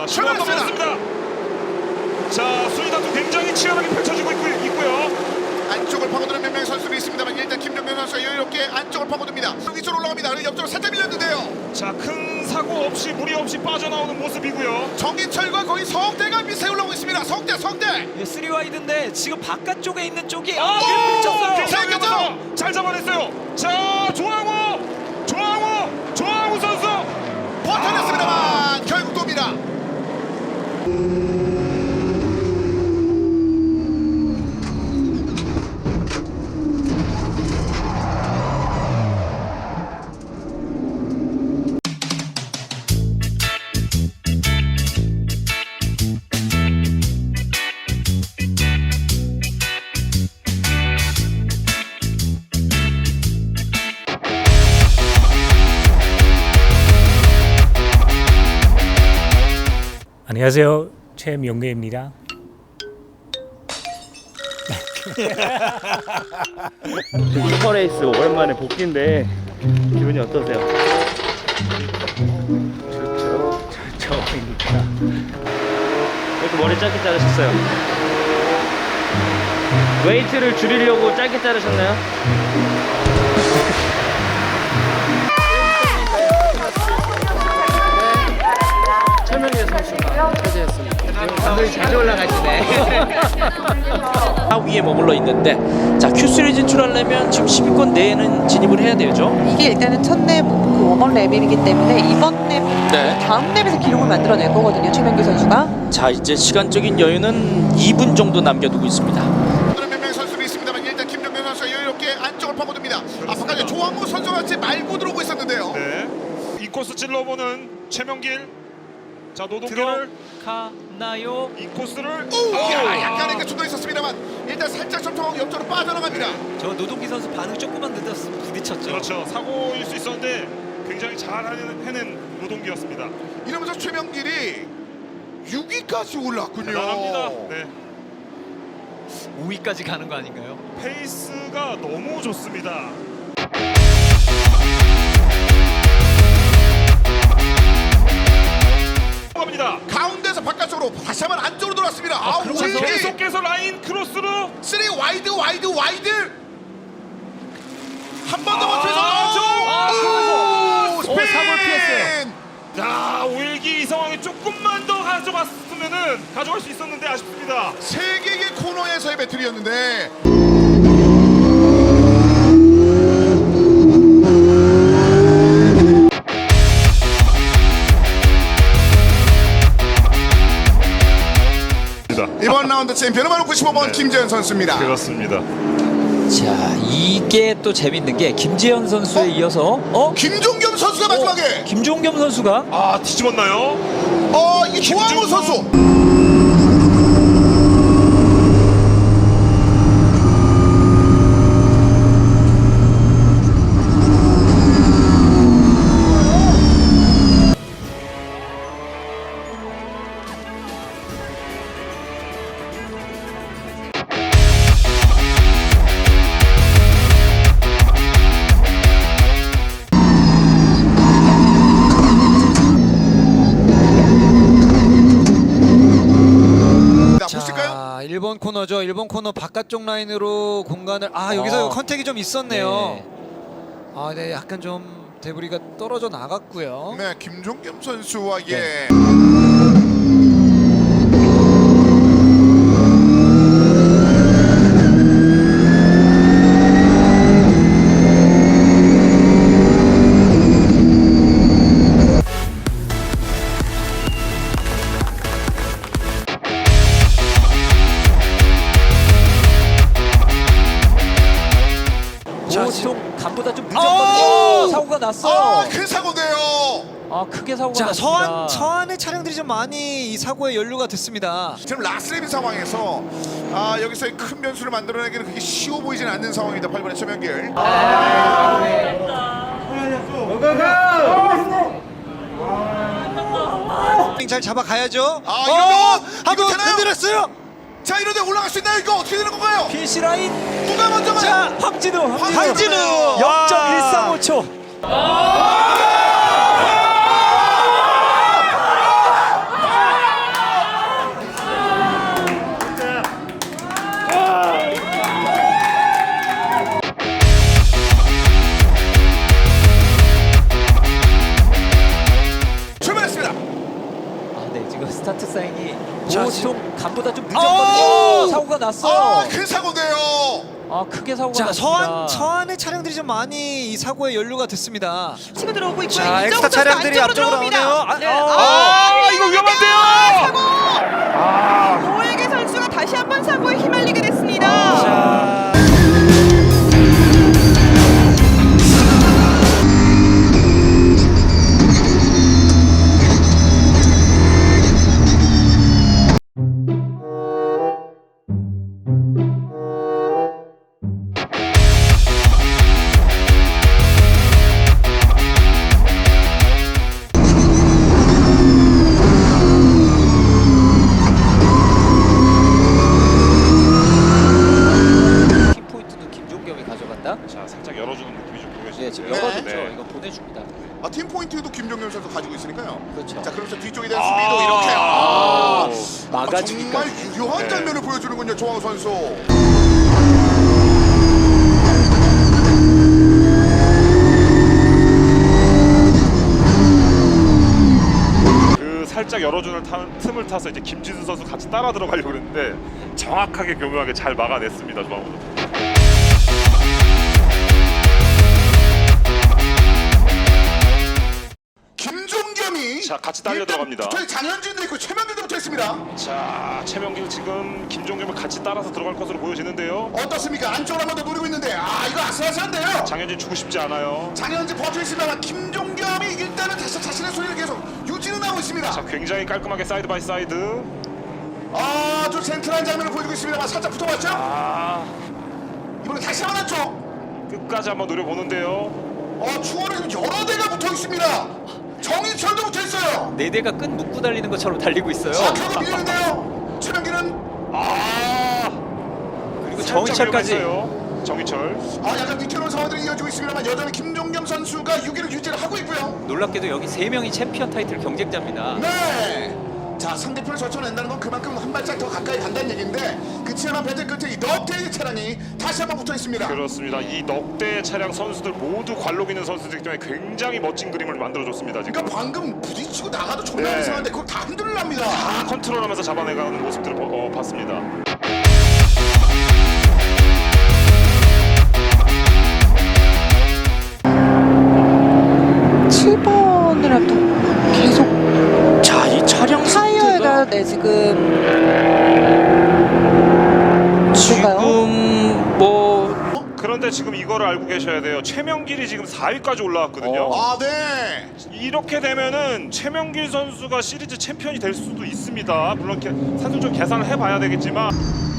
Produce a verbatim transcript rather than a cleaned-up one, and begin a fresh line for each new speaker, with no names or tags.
자, 시간 넘었습니다. 자, 순위 다투 굉장히 치열하게 펼쳐지고 있고, 있고요.
안쪽을 파고드는 몇 명의 선수들이 있습니다만 일단 김정현 선수가 여유롭게 안쪽을 파고듭니다. 위쪽으로 올라갑니다. 그리고 옆쪽으로 살짝 밀렸는데요.
자, 큰 사고 없이 무리 없이 빠져나오는 모습이고요.
정인철과 거의 성대가 비슷하게 올라오고 있습니다. 성대, 성대.
예, 쓰리 와이드인데 지금 바깥쪽에 있는 쪽이
아,
아, 밀쳤어요.
잘 잡았어. 잘 잡아냈어요. 자, 조항우, 조항우, 조항우 선수
버텨냈습니다만 결국 돕니다.
안녕하세요, 최명래입니다.
슈퍼레이스 오랜만에 복귀인데 기분이 어떠세요? 좋죠, 좋죠입니다. 이렇게 머리 짧게 자르셨어요? 웨이트를 줄이려고 짧게 자르셨나요?
최명예 선수가 차지했습니다. 감독이 자주 올라가시네.
위에 머물러 있는데 자 큐쓰리 진출하려면 지금 십 위권 내에는 진입을 해야 되죠.
이게 일단은 첫랩 그 원번 랩이기 때문에 이번 랩
네.
다음 랩에서 기록을 만들어낼 거거든요. 최명규 선수가.
자 이제 시간적인 여유는 이 분 정도 남겨두고 있습니다.
몇 명의 선수들이 있습니다만 일단 김정현 선수가 여유롭게 안쪽을 파고듭니다. 앞까지 조항우 선수가 같이 말고 들어오고 있었는데요.
네. 이 코스 찔러보는 최명길. 자, 노동결
들어가나요?
이 코스를
오, 야, 약간의 그 충돌이 있었습니다만 일단 살짝 점통하고 옆쪽으로 빠져나갑니다.
저 노동기 선수 반응 조금만 늦었으면 부딪혔죠.
그렇죠. 사고일 수 있었는데 굉장히 잘 해낸, 해낸 노동기였습니다.
이러면서 최명길이 육 위까지 올랐군요.
대단합니다. 네.
오 위까지 가는 거 아닌가요?
페이스가 너무 좋습니다. 갑니다.
가운데서 바깥쪽으로 다시 한번 안쪽으로 돌았습니다. 아,
자,
오일기
계속해서 라인 크로스로
쓰리 와이드 와이드 와이드 한 번 더
아,
버텨서
아,
오, 스핀!
어, 사고를 피했어요.
자, 오일기 이 상황에 조금만 더 가져갔으면은 가져갈 수 있었는데 아쉽습니다.
세 개의 코너에서의 배틀이었는데 이번 라운드 챔피언은 바로 구십오 번
네.
김재현 선수입니다.
그렇습니다.
자 이게 또 재밌는 게 김재현 선수에
어?
이어서 어?
김종겸 선수가 마지막에
어, 김종겸 선수가
아, 뒤집었나요?
어 이게 조항우
김종겸.
선수 보실까요?
자, 일 번 코너죠. 일 번 코너 바깥쪽 라인으로 공간을 아 여기서
어.
컨택이 좀 있었네요.
네.
아, 네, 약간 좀 데브리가 떨어져 나갔고요.
네, 김종겸 선수와 예.
네. 자 지금 간보다 좀 늦었거든요.
오!
사고가 났어요.
아, 큰 사고인데요.
아 크게 사고가
자,
났습니다.
서안 서안의 차량들이 좀 많이 이 사고에 연루가 됐습니다.
지금 라스레빈 상황에서 아 여기서의 큰 변수를 만들어내기는 그렇게 쉬워 보이진 않는 상황입니다. 팔 번의 최명길.
잘 잡아가야죠.
아,
어,
이러면
한번
이거 되나요?
흔들었어요.
자, 이런데 올라갈 수 있나요? 이거 어떻게 되는 건가요?
피니시 라인.
누가 먼저 가요?
자 황진우. 황진우.
황진우.
영 점 일삼오 초.
아!
자,
보통 간보다 좀
오!
늦었거든요. 사고가 났어요.
아, 큰 사고인데요.
아 크게 사고가
자,
났습니다.
서안 서안의 차량들이 좀 많이 이 사고에 연루가 됐습니다.
치고 들어오고 있고요.
자,
이정우
엑스타
선수
차량들이
안쪽으로
앞쪽으로
들어옵니다.
나오네요. 아,
네.
어.
아, 이거 위험한데요.
사고.
아,
오일기 선수가 다시 한번 사고에 휘말리게 됐습니다.
자,
팀 포인트는 김종겸이 가져간다.
자, 살짝 열어주는 느낌이 좀
네, 지금
보여지는데요.
열어줬죠.
네.
이거 보내줍니다.
아, 팀 포인트도 김종현 선수 가지고 있으니까요.
그렇죠.
자, 그러면서 뒤쪽에 대한 수비도 이렇게 아,
아,
아,
막아주기까지.
정말 유효한
네.
장면을 보여주는군요, 조항우 선수.
그 살짝 열어주는 타, 틈을 타서 이제 김진수 선수 같이 따라 들어가려고 그랬는데 정확하게 교묘하게 잘 막아냈습니다. 조항우.
김종겸이
자, 같이 딸려 들어갑니다.
저희 장현진도 있고 최명길도 붙어 있습니다.
자, 최명길 지금 김종겸을 같이 따라서 들어갈 것으로 보여지는데요.
어떻습니까? 안쪽으로 한 번 더 노리고 있는데 아, 이거 아슬아슬한데요.
장현진 주고 싶지 않아요.
장현진 버텨 있습니다만 김종겸이 일단은 다시 자신의 소리를 계속 유지는 하고 있습니다.
자, 굉장히 깔끔하게 사이드 바이 사이드.
아주 센트럴한 장면을 보여주고 있습니다만 살짝 붙어봤죠?
아,
이번에 다시 한번 한쪽.
끝까지 한번 노려보는데요.
어, 추월에 지금 여러 대가 붙어 있습니다. 정인철도 붙어 있어요.
네 대가 끈 묶고 달리는 것처럼 달리고 있어요.
자, 결국 밀리는데요. 최명기는
아,
그리고
살짝
정희철까지.
위험했어요. 정희철.
아, 약간 뒤태로운 상황들이 이어지고 있습니다만 여전히 김종겸 선수가 육 위를 유지를 하고 있고요.
놀랍게도 여기 세 명이 챔피언 타이틀 경쟁자입니다.
네. 자, 상대편을 젖혀낸다는 건 그만큼 한 발짝 더 가까이 간다는 얘기인데 그 치열한 배틀 끝에 이 넉대의 차량이 다시 한번 붙어 있습니다.
그렇습니다. 이 넉대 차량 선수들 모두 관록 있는 선수들이기 때문에 굉장히 멋진 그림을 만들어줬습니다. 지금
그러니까 방금 부딪히고 나가도 존나
네.
이상한데 그걸 다 흔들랍니다.
다 컨트롤하면서 잡아내가는 모습들을 보- 어, 봤습니다.
칠 번이라 또 계속
자, 이 차량
타이어가 네 지금 누가요?
지금 뭐
그런데 지금 이거를 알고 계셔야 돼요. 최명길이 지금 사 위까지 올라왔거든요.
아, 네.
이렇게 되면은 최명길 선수가 시리즈 챔피언이 될 수도 있습니다. 물론 게- 사실 좀 계산을 해봐야 되겠지만